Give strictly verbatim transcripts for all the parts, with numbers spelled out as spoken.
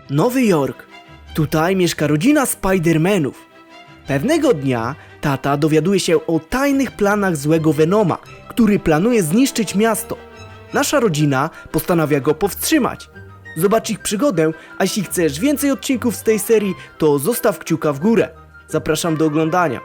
Nowy Jork. Tutaj mieszka rodzina Spidermanów. Pewnego dnia tata dowiaduje się o tajnych planach złego Venoma, który planuje zniszczyć miasto. Nasza rodzina postanawia go powstrzymać. Zobacz ich przygodę, a jeśli chcesz więcej odcinków z tej serii, to zostaw kciuka w górę. Zapraszam do oglądania.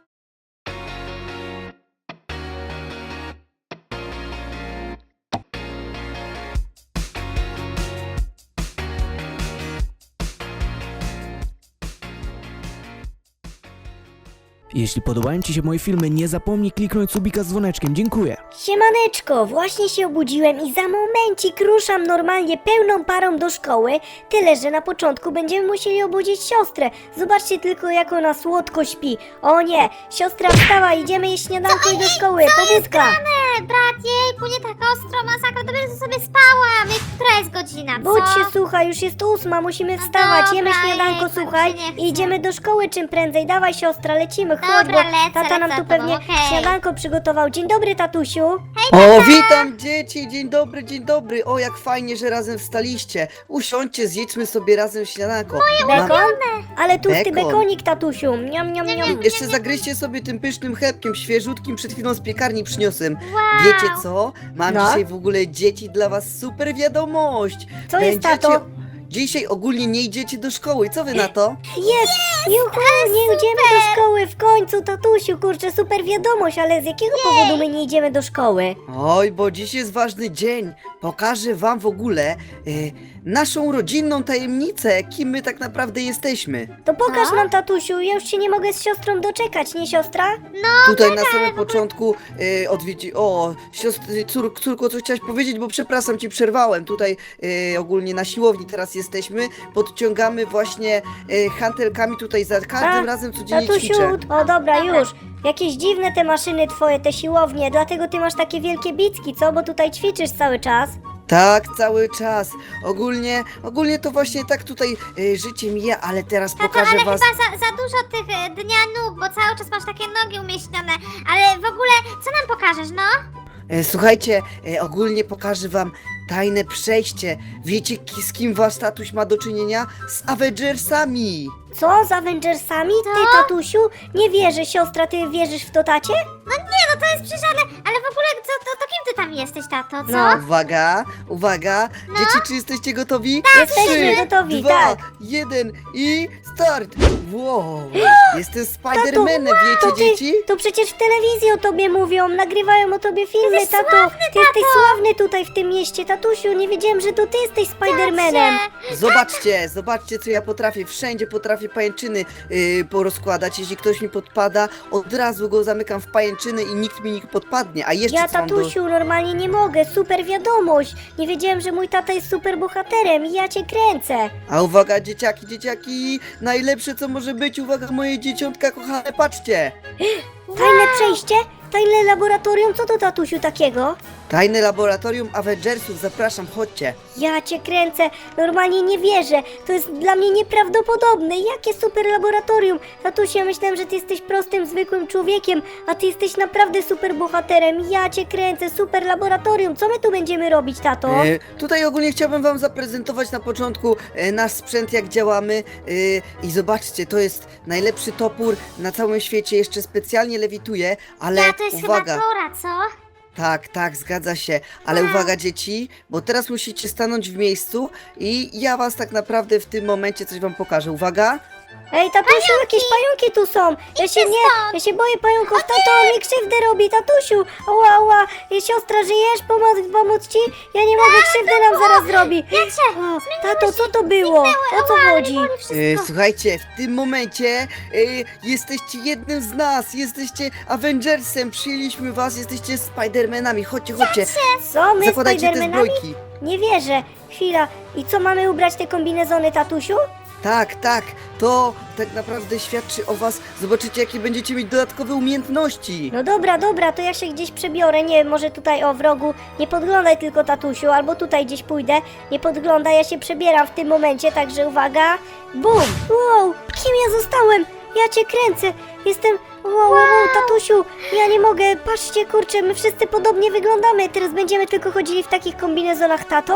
Jeśli podobają Ci się moje filmy, nie zapomnij kliknąć subika z dzwoneczkiem. Dziękuję. Siemaneczko, właśnie się obudziłem i za momencik ruszam normalnie pełną parą do szkoły, tyle że na początku będziemy musieli obudzić siostrę. Zobaczcie tylko, jak ona słodko śpi. O nie, siostra wstała, idziemy jeść śniadanko i do szkoły, pobudka. Nie, brat, jejku, nie tak ostro, masakra, to będę sobie spałam. Jak- Która jest godzina, co? Budź się, słuchaj, już jest ósma, musimy wstawać, dobra, jemy śniadanko, jejku, słuchaj, mi się nie chce. i idziemy do szkoły czym prędzej. Dawaj siostra, lecimy, chodź, Dobra, bo lecę, tata nam lecę tu za pewnie tobą, okej. śniadanko przygotował. Dzień dobry, tatusiu. O, witam dzieci, dzień dobry, dzień dobry. O, jak fajnie, że razem wstaliście. Usiądźcie, zjedźmy sobie razem śniadanko. Mam- Bekon? Ale tłusty Bekon. bekonik, tatusiu. Niam, niam, niam. Jeszcze zagryźcie sobie tym pysznym chlebkiem, świeżutkim, przed chwilą z piekarni przyniosłem. Wow. Wiecie co? Mam No? dzisiaj w ogóle dzieci dla was super wiadomość. Co jest, tato? Dzisiaj ogólnie nie idziecie do szkoły, co wy na to? Jest! Juhu, nie idziemy do szkoły w końcu, tatusiu, kurczę, super wiadomość, ale z jakiego powodu my nie idziemy do szkoły? Oj, bo dziś jest ważny dzień. Pokażę wam w ogóle y, naszą rodzinną tajemnicę, kim my tak naprawdę jesteśmy. To pokaż No? nam, tatusiu, ja już się nie mogę z siostrą doczekać, nie siostra? Tutaj na samym początku y, odwiedzi... O, siostry, cór, córko, co chciałaś powiedzieć, bo przepraszam, ci przerwałem. Tutaj y, ogólnie na siłowni teraz jesteśmy. Podciągamy właśnie y, hantelkami tutaj za każdym A, razem codziennie Tatusiu, ćwiczę. o dobra, Dobra. już. Jakieś dziwne te maszyny twoje, te siłownie, dlatego ty masz takie wielkie bicki, co? Bo tutaj ćwiczysz cały czas. Tak, cały czas. Ogólnie, ogólnie to właśnie tak tutaj y, życie mija, ale teraz Tato, pokażę ale was... chyba za, za dużo tych e, dnia nóg, bo cały czas masz takie nogi umieśnione. Ale w ogóle, co nam pokażesz, no? E, Słuchajcie, e, ogólnie pokażę wam tajne przejście. Wiecie, ki- z kim wasz tatuś ma do czynienia? Z Avengersami! Co? Z Avengersami? Ty, tatusiu? Nie wierzę, siostra, ty wierzysz w to, tacie? No nie, no to jest przecież, ale, ale w ogóle, co, to, to kim ty tam jesteś, tato, co? No. Uwaga, uwaga! Dzieci, czy jesteście gotowi? Jesteśmy Trzy, gotowi, dwa, tak. jeden i start! Wow! Jestem Spidermanem, wiecie, To ty, dzieci? to przecież w telewizji o tobie mówią, nagrywają o tobie filmy, Jesteś tato. sławny, Ty jesteś tato. sławny tutaj w tym mieście, tatusiu, nie wiedziałem, że to ty jesteś Spidermanem. Tacie. Zobaczcie, zobaczcie, co ja potrafię. Wszędzie potrafię pajęczyny yy, porozkładać. Jeśli ktoś mi podpada, od razu go zamykam w pajęczyny i nikt mi nie podpadnie. A jeszcze Ja, co mam do... tatusiu, normalnie nie mogę, super wiadomość. Nie wiedziałem, że mój tata jest super bohaterem i ja cię kręcę. A uwaga, dzieciaki, dzieciaki! Najlepsze, co może być, uwaga, moje dzieciątka kochane, patrzcie! Tajne przejście? Tajne laboratorium? Co to, tatusiu, takiego? Tajne laboratorium Avengersów, zapraszam, chodźcie. Ja cię kręcę, normalnie nie wierzę. To jest dla mnie nieprawdopodobne. Jakie super laboratorium. Tatusiu, ja myślałem, że ty jesteś prostym, zwykłym człowiekiem, a ty jesteś naprawdę super bohaterem. Ja cię kręcę, super laboratorium. Co my tu będziemy robić, tato? E, tutaj ogólnie chciałbym wam zaprezentować na początku e, nasz sprzęt, jak działamy. E, I zobaczcie, to jest najlepszy topór na całym świecie, jeszcze specjalnie lewituje, ale Ja, to jest uwaga. chyba Tora, co? Tak, tak, zgadza się. Ale uwaga, dzieci, bo teraz musicie stanąć w miejscu i ja was tak naprawdę w tym momencie coś wam pokażę. Uwaga. Ej, tatusiu, jakieś pająki tu są. Ja się nie, ja się boję pająków. Tato, on mi krzywdę robi, tatusiu. Ała, ała. Ej, siostra, żyjesz? Pomóc, pomóc ci? Ja nie mogę, krzywdę nam zaraz zrobi. Wiecie, O, tato, co to było? O co chodzi? E, słuchajcie, w tym momencie e, jesteście jednym z nas, jesteście Avengersem, przyjęliśmy was, jesteście Spidermanami. Chodźcie, chodźcie. Co, my Zakładajcie te Spidermanami? zbrojki. Nie wierzę. Chwila. I co, mamy ubrać te kombinezony, tatusiu? Tak, tak, to tak naprawdę świadczy o was. Zobaczycie, jakie będziecie mieć dodatkowe umiejętności. No dobra, dobra, to ja się gdzieś przebiorę. Nie, może tutaj o w rogu. Nie podglądaj tylko, tatusiu, albo tutaj gdzieś pójdę. Nie podglądaj, ja się przebieram w tym momencie, także uwaga. Bum! Wow, kim ja zostałem? Ja cię kręcę. Jestem... Wow, wow, wow, tatusiu, ja nie mogę. Patrzcie, kurczę, my wszyscy podobnie wyglądamy. Teraz będziemy tylko chodzili w takich kombinezonach, tato?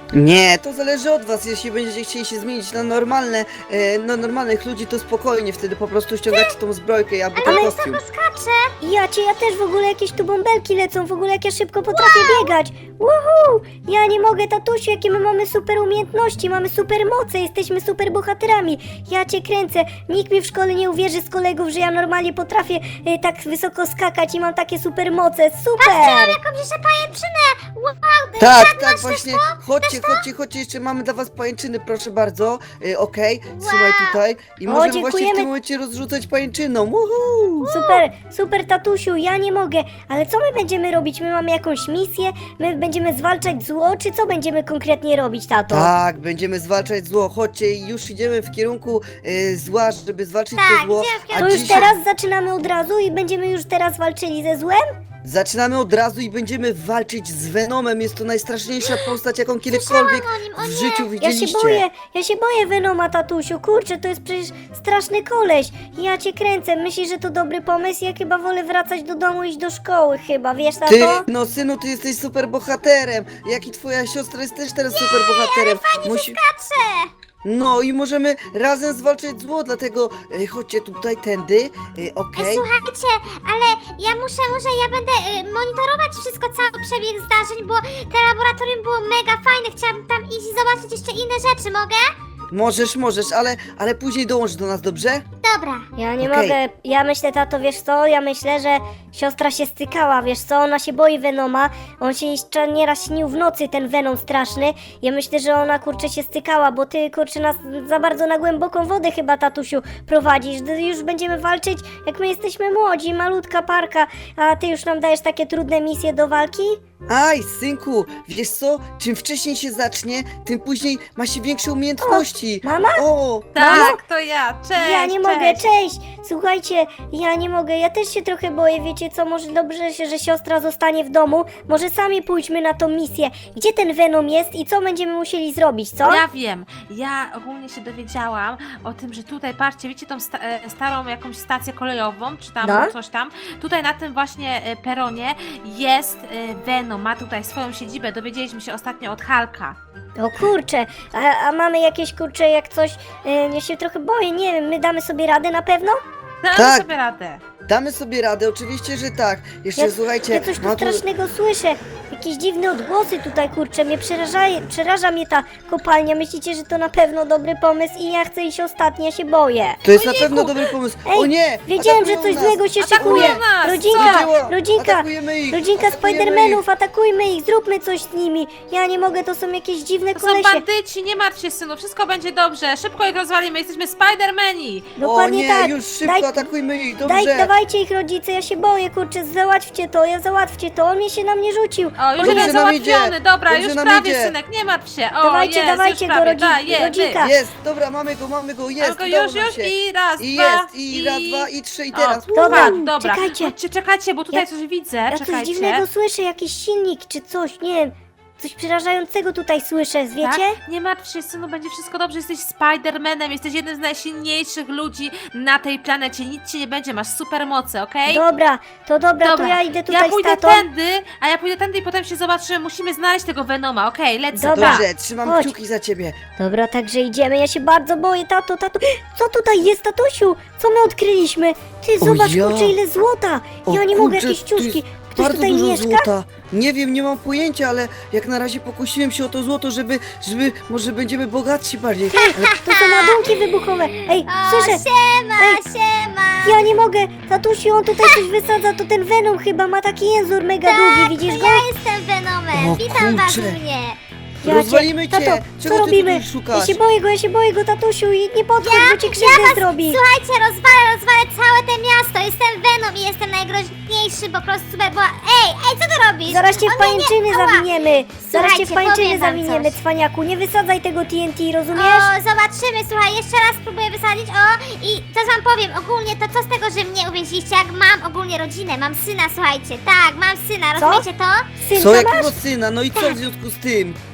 Nie, to zależy od was. Jeśli będziecie chcieli się zmienić na normalne, e, na normalnych ludzi, to spokojnie, wtedy po prostu ściągacie tą zbrojkę albo ten kostium. Skacze! Ja cię, ja też w ogóle jakieś tu bąbelki lecą, w ogóle jak ja szybko potrafię biegać. Woohoo! Ja nie mogę, tatusiu, jakie my mamy super umiejętności, mamy super moce, jesteśmy super bohaterami. Ja cię kręcę. Nikt mi w szkole nie uwierzy z kolegów, że ja normalnie potrafię e, tak wysoko skakać i mam takie super moce. Super! Jakąś jeszcze pajęczynę! Wow! Tak, Żadna tak, też właśnie. to? Chodźcie, chodźcie, chodźcie, jeszcze mamy dla was pajęczyny, proszę bardzo. E, Okej, trzymaj tutaj. I O, możemy właśnie w dziękujemy. tym momencie rozrzucać pajęczyną. Woohoo! Super, super tatusiu, ja nie mogę. Ale co my będziemy robić? My mamy jakąś misję? My będziemy zwalczać zło, czy co będziemy konkretnie robić, tato? Tak, będziemy zwalczać zło. Chodźcie, już idziemy w kierunku e, zła, żeby zwalczyć Tak, to zło. idziemy w A kierunku- To już dzisiaj teraz zaczynamy od razu i będziemy już teraz walczyli ze złem? zaczynamy od razu i będziemy walczyć z Venomem. Jest to najstraszniejsza postać, jaką kiedykolwiek o nim, o w nie. życiu Ja widzieliście. się boję, ja się boję Venoma, tatusiu. Kurczę, to jest przecież straszny koleś. Ja cię kręcę. Myślisz, że to dobry pomysł? Ja chyba wolę wracać do domu i iść do szkoły chyba, wiesz, tato? Ty, no synu, ty jesteś super bohaterem. Jak i twoja siostra jest też teraz super bohaterem. Musi... Skacze! No i możemy razem zwalczyć zło, dlatego e, chodźcie tutaj tędy. E, Ej, Okej. słuchajcie, ale ja muszę, muszę, ja będę y, monitorować wszystko, cały przebieg zdarzeń, bo te laboratorium było mega fajne, chciałabym tam iść i zobaczyć jeszcze inne rzeczy, mogę? Możesz, możesz, ale, ale później dołącz do nas, dobrze? Dobra. Ja nie Okej. mogę, ja myślę, tato, wiesz co, ja myślę, że siostra się stykała, wiesz co, ona się boi Venoma, on się jeszcze nieraz śnił w nocy, ten Venom straszny, ja myślę, że ona, kurczę, się stykała, bo ty, kurczę, nas za bardzo na głęboką wodę chyba, tatusiu, prowadzisz, Ty już będziemy walczyć, jak my jesteśmy młodzi, malutka parka, a ty już nam dajesz takie trudne misje do walki? Aj, synku, wiesz co? Czym wcześniej się zacznie, tym później ma się większe umiejętności. Mama? O, Tak, to ja, cześć, Ja nie cześć. mogę, cześć! Słuchajcie, ja nie mogę, ja też się trochę boję, wiecie co, może dobrze się, że siostra zostanie w domu, może sami pójdźmy na tą misję. Gdzie ten Venom jest i co będziemy musieli zrobić, co? Ja wiem, ja ogólnie się dowiedziałam o tym, że tutaj, patrzcie, wiecie tą sta e, starą jakąś stację kolejową, czy tam No. coś tam, tutaj na tym właśnie e, peronie jest e, Venom, ma tutaj swoją siedzibę, dowiedzieliśmy się ostatnio od Hulka. O kurczę, a, a mamy jakieś, kurczę, jak coś, e, ja się trochę boję, nie wiem, my damy sobie radę na pewno? Damy Tak. sobie radę. damy sobie radę, oczywiście, że tak. Jeszcze Ja, słuchajcie, ja coś tu ma tu... strasznego słyszę, jakieś dziwne odgłosy tutaj, kurczę, mnie przeraża, przeraża mnie ta kopalnia, myślicie, że to na pewno dobry pomysł i ja chcę iść ostatni, ja się boję. To jest na Ojejku. pewno dobry pomysł. Ej, o nie! Wiedziałem, że atakują coś nas. złego się Atakują szykuje. nas, Rodzinka, Wiedziała. rodzinka, Atakujemy ich. rodzinka Atakujemy Spidermanów, ich. atakujmy ich, zróbmy coś z nimi. Ja nie mogę, to są jakieś dziwne To są kolesie. bandyci, nie martw się, synu, wszystko będzie dobrze, szybko ich rozwalimy, jesteśmy Spidermani. Dokładnie o nie, tak. już szybko Daj- atakujmy ich, dobrze. Daj, dawajcie ich rodzice, ja się boję, kurczę, załatwcie to, ja załatwcie to, on mnie się na mnie rzucił. O, już Dobrze jeden nam idzie. załatwiony, dobra, Dobrze już nam prawie, idzie. synek, nie martw się. O, Dawajcie, jest, dawajcie już go, prawie, rodzi- da, je, rodzinka. Jest, dobra, mamy go, mamy go, jest, Tylko udało już, nam już się. i raz, I dwa, jest, i raz, dwa, i trzy, i teraz. O, Dobra, tak, dobra. czekajcie. Chodźcie, czekajcie, bo tutaj Ja- coś widzę, Ja coś czekajcie. dziwnego słyszę, jakiś silnik czy coś, nie wiem. Coś przerażającego tutaj słyszę, wiecie? Tak? Nie martw się, synu, będzie wszystko dobrze. Jesteś Spidermanem, jesteś jednym z najsilniejszych ludzi na tej planecie. Nic ci nie będzie, masz supermoce, okej? Dobra, to dobra, to Dobra. ja idę tutaj Ja pójdę z tatą. tędy, a ja pójdę tędy i potem się zobaczymy. Musimy znaleźć tego Venoma, okej? Lecę. Dobra. Dobrze, trzymam Chodź. kciuki za ciebie. Dobra, także idziemy, ja się bardzo boję, tato, tato. Co tutaj jest, tatusiu? Co my odkryliśmy? Ty, O zobacz, ja. kurczę, ile złota. O Ja nie mogę, kurczę, jakieś tu jest ciuszki. Ktoś Bardzo tutaj dużo mieszka? złota. Nie wiem, nie mam pojęcia, ale jak na razie pokusiłem się o to złoto, żeby, żeby może będziemy bogatsi bardziej. Ale To są ładunki wybuchowe. Ej, O, słyszę, siema, Ej. siema. ja nie mogę. Tatusiu, on tutaj coś wysadza, to ten Venom chyba ma taki język mega długi, widzisz To go? ja jestem Venomem, O, witam was kurczę. u mnie. Ja rozwalimy cię. Tato, Czego co ty robimy? tutaj szukasz? Ja się boję go, ja się boję go, tatusiu, i nie podchodź, bo ci krzywdę was- zrobi. Słuchajcie, rozwalę, rozwalę całe te miasto. Jestem Venom i jestem najgroźniejszy, po prostu super, bo... Ej, ej, co ty robisz? Zaraz cię w O, nie, nie, pajęczyny ała. zawiniemy. Zaraz cię w Słuchajcie, pajęczyny powiem wam zawiniemy, coś. cwaniaku. Nie wysadzaj tego T N T, rozumiesz? O, zobaczymy, słuchaj, jeszcze raz spróbuję wysadzić, o, i coś wam powiem, ogólnie to co z tego, że mnie uwięziliście, jak mam ogólnie rodzinę, mam syna, słuchajcie, tak, mam syna, rozumiecie to? Synka Co, masz? jakiego syna? No i co w związku z tym?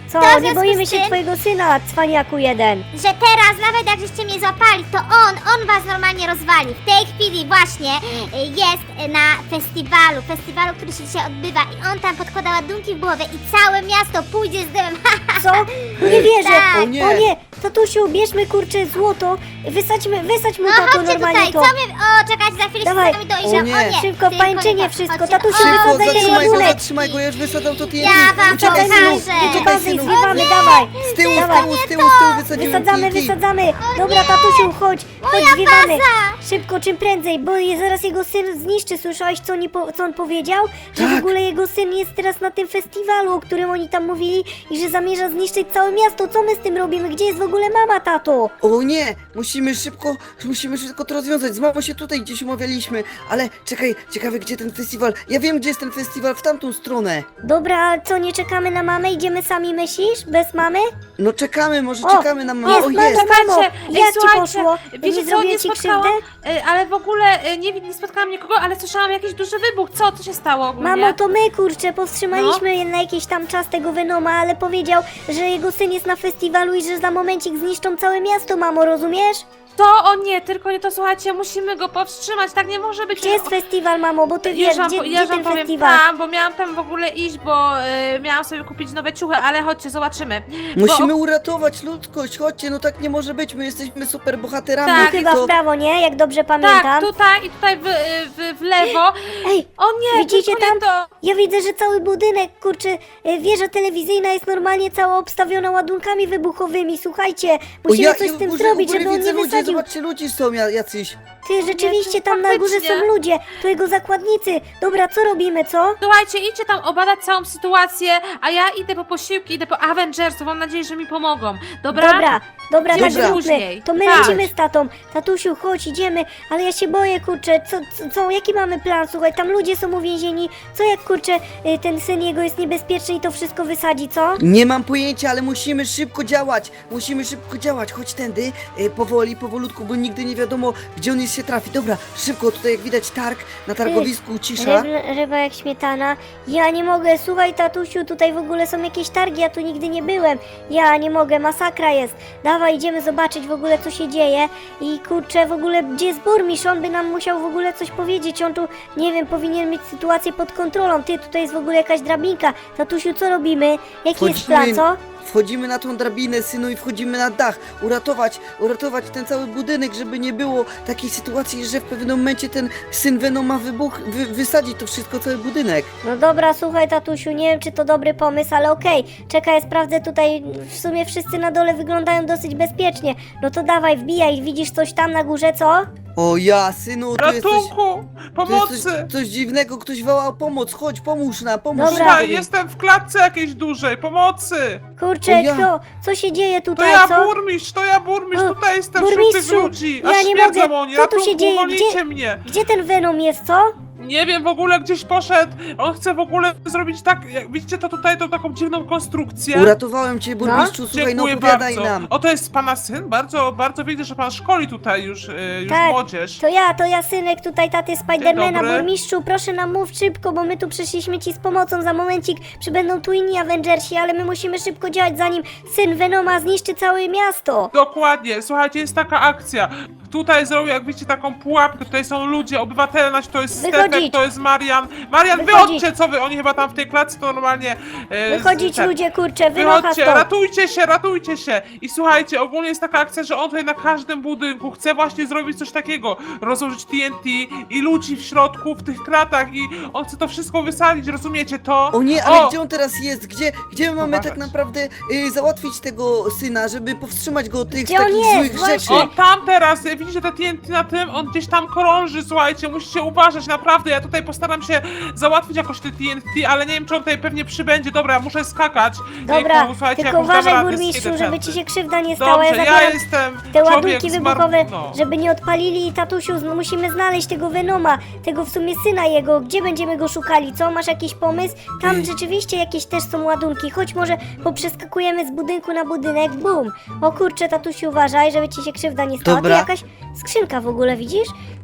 Co, To w nie związku boimy z się tym- twojego syna, cwaniaku jeden. że teraz, nawet jak żeście mnie złapali, to on, on was normalnie rozwali. W tej chwili właśnie y, jest na festiwalu, festiwalu, który się dzisiaj odbywa i on tam podkłada ładunki w głowę i całe miasto pójdzie z dymem. Co? Nie wierzę. Tak. O nie. O nie, tatusiu, bierzmy kurczę złoto, wysadźmy, wysadź mu No tato chodźcie normalnie tutaj, to. co my... O, czekajcie, za chwilę Dawaj. się z nami dojrzą. O O nie. nie, Szybko, tylko pańczynie nie tak. wszystko, Chodźcie. tatusiu, O, Szybko, wysadaj zatrzymaj go, ładunek. zatrzymaj go, ja już wysadzam to T N T. Ja wam Uciekaj, synu, pokażę. uciekaj, Uciekamy, synu. zwiewamy, dawaj. Z tyłu, z Dawaj. tyłu, z tyłu, z tyłu wysadziłem Wysadzamy, T N T. wysadzamy. Dobra, tatusiu, chodź, chodź, zwiewamy. baza. Szybko, czym prędzej, bo je zaraz jego syn zniszczy. Słyszałeś, co, oni po, co on powiedział? Że w Tak. ogóle jego syn jest teraz na tym festiwalu, o którym oni tam mówili i że zamierza zniszczyć całe miasto. Co my z tym robimy? Gdzie jest w ogóle mama, tato? O nie, musimy szybko, musimy szybko to rozwiązać. Z mamą się tutaj gdzieś umawialiśmy, ale czekaj, ciekawe gdzie ten festiwal. Ja wiem gdzie jest ten festiwal, w tamtą stronę. Dobra, a co, nie czekamy na mamę? Idziemy sami, myślisz? Bez mamy? No czekamy, może O, czekamy na mamę. jest O mama. jest. Mamo, Słuchajcie, ej, jak ci słuchajcie, poszło? Wiecie Nie co, zrobiłem nie ci spotkałam, krzywdę? y, ale w ogóle y, nie, nie spotkałam nikogo, ale słyszałam jakiś duży wybuch. Co, co się stało ogólnie? Mamo, to my, kurczę, powstrzymaliśmy No. na jakiś tam czas tego Venoma, ale powiedział, że jego syn jest na festiwalu i że za momencik zniszczą całe miasto, mamo, rozumiesz? To, o nie, tylko nie to, słuchajcie, musimy go powstrzymać, tak nie może być. Gdzie jest festiwal, mamo, bo ty Już wiesz, wam, gdzie, po- gdzie ja wam ten powiem festiwal? tam, bo miałam tam w ogóle iść, bo y, miałam sobie kupić nowe ciuchy, ale chodźcie, zobaczymy. Musimy Bo, uratować ludzkość, chodźcie, no tak nie może być, my jesteśmy super bohaterami. Tak, Chyba to... w prawo, nie? Jak dobrze pamiętam. tak, tutaj i tutaj w, w, w lewo. Ej, O nie, widzicie tylko nie tam? to. Ja widzę, że cały budynek, kurczę, e, wieża telewizyjna jest normalnie cała obstawiona ładunkami wybuchowymi. Słuchajcie, O, musimy ja, coś ja z tym w górze, zrobić, w górze żeby on widzę nie ludzie, wysadził. zobaczcie, ludzie są ja- jacyś. Ty, rzeczywiście tam na górze faktycznie. są ludzie, to jego zakładnicy. Dobra, co robimy, co? Słuchajcie, idźcie tam obadać całą sytuację, a ja idę po posiłki, idę po Avengersów, mam nadzieję, że mi pomogą. Dobra? Dobra, dobra, tak Dobra. zróbmy. Później. To my Tak. lecimy z tatą. Tatusiu, chodź, idziemy, ale ja się boję, kurczę, co, co, co, jaki mamy plan? Słuchaj, tam ludzie są uwięzieni. Co jak, kurczę, y, ten syn jego jest niebezpieczny i to wszystko wysadzi, co? Nie mam pojęcia, ale musimy szybko działać. Musimy szybko działać. Chodź tędy, e, powoli, powolutku, bo nigdy nie wiadomo, gdzie on jest się trafi. Dobra, szybko, tutaj jak widać targ, na targowisku cisza. Ryb, ryba jak śmietana. Ja nie mogę, słuchaj tatusiu, tutaj w ogóle są jakieś targi, ja tu nigdy nie byłem. Ja nie mogę, masakra jest. Dawaj, idziemy zobaczyć w ogóle co się dzieje. I kurczę, w ogóle gdzie jest burmistrz? On by nam musiał w ogóle coś powiedzieć. On tu, nie wiem, powinien mieć sytuację pod kontrolą. Ty, tutaj jest w ogóle jakaś drabinka. Tatusiu, co robimy? Jaki jest plan, co? Wchodzimy na tą drabinę, synu, i wchodzimy na dach. Uratować, uratować ten cały budynek, żeby nie było takiej sytuacji, że w pewnym momencie ten syn Venoma wybuch, wy, wysadzi to wszystko, cały budynek. No dobra, słuchaj tatusiu, nie wiem czy to dobry pomysł, ale okej. Czekaj, sprawdzę tutaj, w sumie wszyscy na dole wyglądają dosyć bezpiecznie. No to dawaj, wbijaj, widzisz coś tam na górze, co? O ja, synu, tu jest coś, Ratunku! tu jest Pomocy! coś, coś dziwnego, ktoś woła o pomoc. Chodź, pomóż nam, pomóż Dobra. nam. Słuchaj, jestem w klatce jakiejś dużej, pomocy! Kurczę, O ja. kto? Co się dzieje To tutaj, ja co? burmistrz, to ja burmistrz, O, tutaj jestem wśród tych burmistrzu, ludzi! ja Aż nie śmierdzą mogę. oni, Co tu się ratunku, dzieje? uwolnijcie Gdzie- mnie! Gdzie ten Venom jest, co? Nie wiem, w ogóle gdzieś poszedł, on chce w ogóle zrobić tak, jak widzicie to tutaj, tą taką dziwną konstrukcję. Uratowałem cię, burmistrzu, słuchaj, no Dziękuję opowiadaj bardzo. nam. O, to jest pana syn? Bardzo, bardzo widzę, że pan szkoli tutaj już, y, już Tak, młodzież. To ja, to ja synek tutaj taty Spidermana, dobry. burmistrzu, proszę nam mów szybko, bo my tu przyszliśmy ci z pomocą, za momencik przybędą tu inni Avengersi, ale my musimy szybko działać, zanim syn Venoma zniszczy całe miasto. Dokładnie, słuchajcie, jest taka akcja. Tutaj zrobił, jak widzicie, taką pułapkę, tutaj są ludzie, obywatele, nasi, to jest Wychodzić. Stefek, to jest Marian. Marian, Wychodzić. wychodźcie, co wy, oni chyba tam w tej klatce to normalnie... e, Wychodzić z- tak. ludzie, kurczę, wynocha Wychodźcie, stąd. ratujcie się, ratujcie się! I słuchajcie, ogólnie jest taka akcja, że on tutaj na każdym budynku chce właśnie zrobić coś takiego, rozłożyć T N T i ludzi w środku, w tych kratach i on chce to wszystko wysadzić, rozumiecie to? O nie, ale O! gdzie on teraz jest? Gdzie, gdzie my mamy Uważać. tak naprawdę y, załatwić tego syna, żeby powstrzymać go od tych Gdzie on takich jest? złych Właśnie. rzeczy? On tam teraz, widzicie te T N T na tym? On gdzieś tam krąży, słuchajcie, musicie uważać, naprawdę, ja tutaj postaram się załatwić jakoś te T N T, ale nie wiem, czy on tutaj pewnie przybędzie, dobra, muszę skakać. Dobra, Jejku, słuchajcie, tylko jakąś dam uważaj radę z burmistrzu, kiedy żeby prędzej. ci się krzywda nie stała, Dobrze, ja ja zabieram jestem te człowiek ładunki zmar- wybuchowe, no. żeby nie odpalili. Tatusiu, no musimy znaleźć tego Venoma, tego w sumie syna jego. Gdzie będziemy go szukali, co? Masz jakiś pomysł? Tam Ej. rzeczywiście jakieś też są ładunki. Chodź może poprzeskakujemy z budynku na budynek. Bum! O kurczę, tatusiu, uważaj, żeby ci się krzywda nie stała. Dobra. Tu jakaś skrzynka w ogóle, widzisz?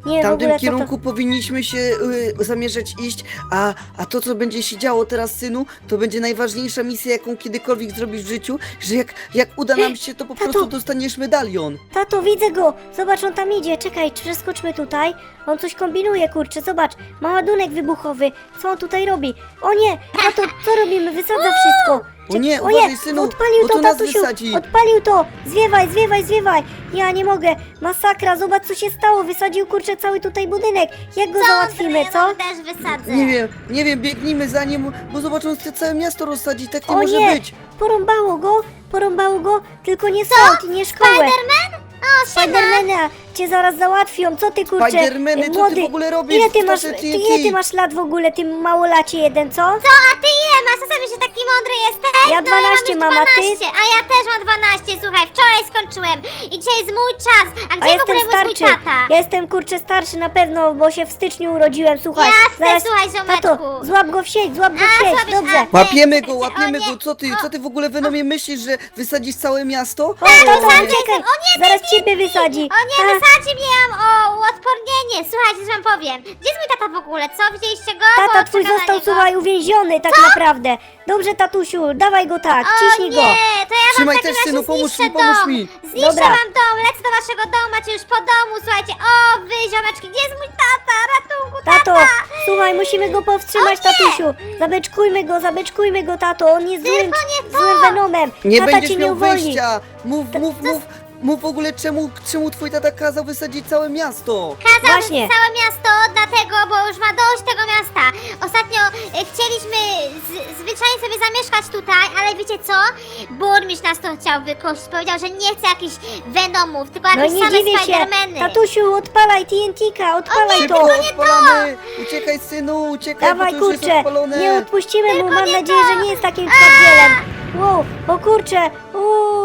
Nie, W w tamtym ogóle co to... kierunku powinniśmy się y, zamierzać iść, a, a to, co będzie się działo teraz, synu, to będzie najważniejsza misja, jaką kiedykolwiek zrobisz w życiu, że jak, jak uda nam się, to po Tato. prostu dostaniesz medalion. Tato, widzę go! Zobacz, on tam idzie. Czekaj, przeskoczmy tutaj. On coś kombinuje, kurczę, zobacz. Ma ładunek wybuchowy. Co on tutaj robi? O nie! Tato, co robimy? Wysadza wszystko. O nie, o uważaj, nie, synu, odpalił bo to, to nas tatusiu! wysadzi. Odpalił to! Zwiewaj, zwiewaj, zwiewaj! Ja nie mogę! Masakra, zobacz co się stało! Wysadził, kurczę, cały tutaj budynek! Jak go załatwimy, Ja co? wam też wysadzę. Nie wiem, nie wiem, biegnijmy za nim, bo zobacz, on chce całe miasto rozsadzić, tak nie O może nie! być. Porąbało go! Porąbało go! Tylko nie sąd, nie szkołę! Spiderman? O, siema. Spidermana cię zaraz załatwią, co ty kurczę? Spidermany, e, co ty młody, w ogóle robisz? Ile ty w masz, czasie ty, T N T? ile ty masz lat w ogóle, ty małolacie jeden, co? Co, a ty ile masz? Co sobie, że taki mądry jesteś? Ja No, dwanaście ja mam, mam a ty? już dwanaście, a ja też mam dwanaście, słuchaj, wczoraj skończyłem i dzisiaj jest mój czas. A A gdzie w jestem ogóle był mój starczy, tata? ja jestem kurczę starszy na pewno, bo się w styczniu urodziłem, słuchaj. Jasne, słuchaj, ziomeczku. Tato, złap go w sieć, złap go w A, sieć, złapiesz, dobrze. a- Łapiemy Ej, go, o łapiemy nie, go, co ty, o- co ty w ogóle Venomie myślisz, że wysadzisz całe miasto? O, tato, wysadzi, uciekaj, o nie, zaraz nie, ciebie wysadzi. O nie, A, wysadzi mnie, ja mam o uodpornienie. Słuchajcie, co wam powiem. Gdzie jest mój tata w ogóle? Co, widzieliście go? Tata Bo twój czekam na został, niego. słuchaj, uwięziony tak naprawdę. Dobrze, tatusiu, dawaj go tak, O ciśnij nie, go. to ja wam Trzymaj w takim też, razie synu, pomóż zniszczę mi, pomóż dom. mi. Zniszczę Dobra. wam dom, lecę do waszego domu, macie już po domu, słuchajcie. O, wy, ziomeczki, gdzie jest mój tata? Ratunku, Tato, tata! słuchaj, musimy go powstrzymać, O nie! tatusiu. Zabeczkujmy go, zabeczkujmy go, tato. On jest złym, Tylko nie to! złym venomem. Nie Tata będziesz cię nie miał uwolni. wyjścia! Mów, mów, mów, mów w ogóle czemu, czemu twój tata kazał wysadzić całe miasto? Kazał Właśnie. całe miasto, dlatego, bo już ma dość tego miasta. Ostatnio e, chcieliśmy z, zwyczajnie sobie zamieszkać tutaj, ale wiecie co? Burmistrz nas to chciał wykościć. Powiedział, że nie chce jakichś Venomów, tylko No jakieś nie same dziwię się. Spidermany. Tatusiu, odpalaj T N T-ka, odpalaj Szybko, to. odpalamy! Uciekaj, synu, uciekaj, Dawaj, bo to już kurczę, jest odpalone! nie odpuścimy mu, mam nie nadzieję, to. że nie jest takim twardzielem. Wow, o kurczę, uuu,